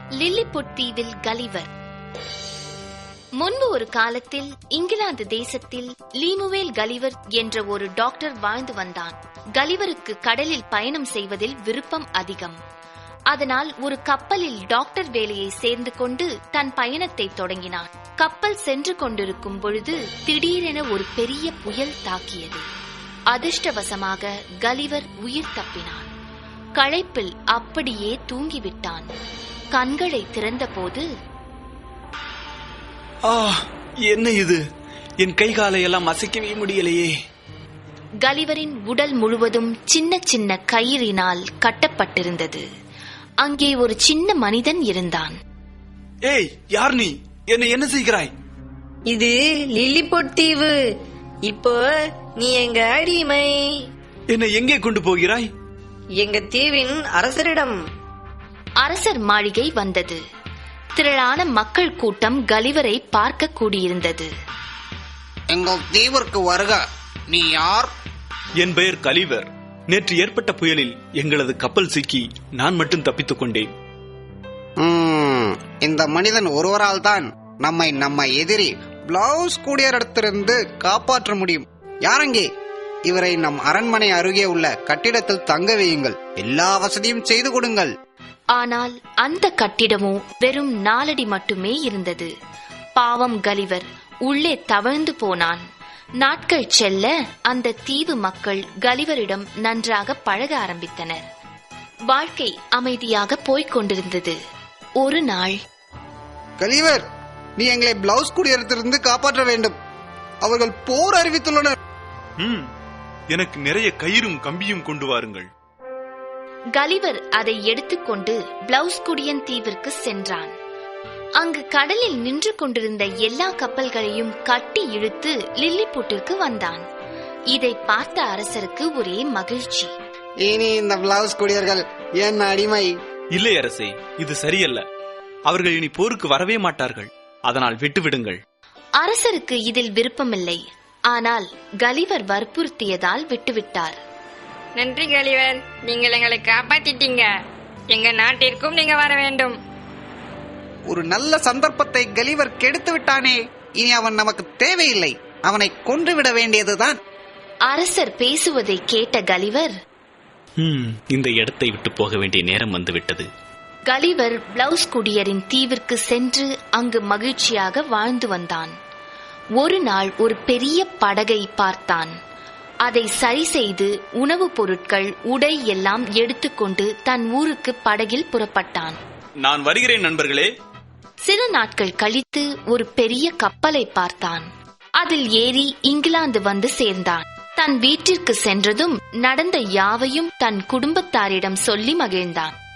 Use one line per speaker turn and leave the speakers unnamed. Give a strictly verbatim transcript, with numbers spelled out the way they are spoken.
Lilliput தீவில் Gulliver. முன்பு ஒரு காலத்தில் இங்கிலாந்து தேசத்தில் லீமுவேல் கலிவர் என்ற ஒரு டாக்டர் வாழ்ந்து வந்தான். கலிவருக்கு கடலில் பயணம் செய்வதில் விருப்பம் அதிகம். அதனால் ஒரு கப்பலில் டாக்டர் வேலையை சேர்ந்து கொண்டு தன் பயணத்தை தொடங்கினான். கப்பல் சென்று கொண்டிருக்கும் பொழுது திடீரென ஒரு பெரிய புயல் தாக்கியது. அதிர்ஷ்டவசமாக கலிவர் உயிர் தப்பினான். களைப்பில் அப்படியே தூங்கிவிட்டான். கண்களை திறந்தபோது,
ஆ, என்ன இது? என் கை காலை எல்லாம் அசைக்கவே முடியலையே.
கலிவரின் உடல் முழுவதும் சின்ன சின்ன கயிறினால் கட்டப்பட்டிருந்தது. அங்கே ஒரு சின்ன மனிதன் இருந்தான்.
ஏய், யார் நீ? என்னை என்ன செய்கிறாய்?
இது லில்லிபுட் தீவு. இப்போ நீ எங்க அடிமை.
என்னை எங்கே கொண்டு போகிறாய்?
எங்க தீவின் அரசரிடம்.
அரசர் மாளிகை வந்தது. திரளான மக்கள் கூட்டம் கலிவரை பார்க்க கூடியிருந்தது.
எங்கள் தீவிற்கு வருக. நீ யார்?
என் பெயர் கலிவர். நேற்று ஏற்பட்ட புயலில் எங்களது கப்பல் சிக்கி நான் மட்டும் தப்பித்துக் கொண்டேன்.
ம், இந்த மனிதன் ஒருவரால் தான் நம்மை நம்ம எதிரி பிளவுஸ் கூடியரிடத்திலிருந்து காப்பாற்ற முடியும். யாரங்கே? இவரை நம் அரண்மனை அருகே உள்ள கட்டிடத்தில் தங்க வையுங்கள். எல்லா வசதியும் செய்து கொடுங்கள்.
ஆனால் அந்த கட்டிடமோ வெறும் நாலடி மட்டுமே இருந்தது. பாவம் கலிவர் உள்ளே தவழ்ந்து போனான். நாட்கள் செல்ல அந்த தீவு மக்கள் கலிவரிடம் நன்றாக பழக ஆரம்பித்தனர். வாழ்க்கை அமைதியாக போய்க் கொண்டிருந்தது. ஒரு நாள்,
கலிவர், நீ எங்களை பிளவுஸ் கூடியரிடத்திலிருந்து காப்பாற்ற வேண்டும். அவர்கள் போர் அறிவித்துள்ளனர்.
ம், எனக்கு நிறைய கயிறும் கம்பியும் கொண்டு வாருங்கள்.
கலிவர் அதை எடுத்துக்கொண்டு பிளவுஸ் குடியன் தீவிற்கு சென்றான். அங்கு கடலில் நின்று கொண்டிருந்த எல்லா கப்பல்களையும் கட்டி இழுத்து லில்லிபுட்டிற்கு வந்தான். இதை பார்த்த அரசருக்கு ஒரே மகிழ்ச்சி.
இனி இந்த பிளவுஸ் கூடியர்கள் என் அடிமை.
இல்லை அரசே, இது சரியல்ல. அவர்கள் இனி போருக்கு வரவே மாட்டார்கள். அதனால் விட்டுவிடுங்கள்.
அரசருக்கு இதில் விருப்பமில்லை. ஆனால் கலிவர் வற்புறுத்தியதால் விட்டுவிட்டார்.
நன்றி கலிவர், நீங்கள் எங்களை காப்பாத்திட்டீங்க. எங்க நாட்டிற்கும் நீங்க வர வேண்டும்.
ஒரு நல்ல சந்தர்ப்பத்தை கலிவர் கெடுத்து விட்டானே. இனி அவன் நமக்கு தேவையில்லை. அவனை கொன்றுவிட வேண்டியதுதான்.
அரசர் பேசுவதை கேட்ட கலிவர்,
ம், இந்த இடத்தை விட்டு போக வேண்டிய நேரம் வந்துவிட்டது.
கலிவர் பிளவுஸ் குடியரின் தீவிற்கு சென்று அங்கு மகிழ்ச்சியாக வாழ்ந்து வந்தான். ஒரு நாள் ஒரு பெரிய படகை பார்த்தான். அதை சரி செய்து உணவுப் பொருட்கள், உடை எல்லாம் எடுத்துக்கொண்டு தன் ஊருக்கு படகில் புறப்பட்டான்.
நான் வருகிறேன் நண்பர்களே.
சில நாட்கள் கழித்து ஒரு பெரிய கப்பலை பார்த்தான். அதில் ஏறி இங்கிலாந்து வந்து சேர்ந்தான். தன் வீட்டிற்கு சென்றதும் நடந்த யாவையும் தன் குடும்பத்தாரிடம் சொல்லி மகிழ்ந்தான்.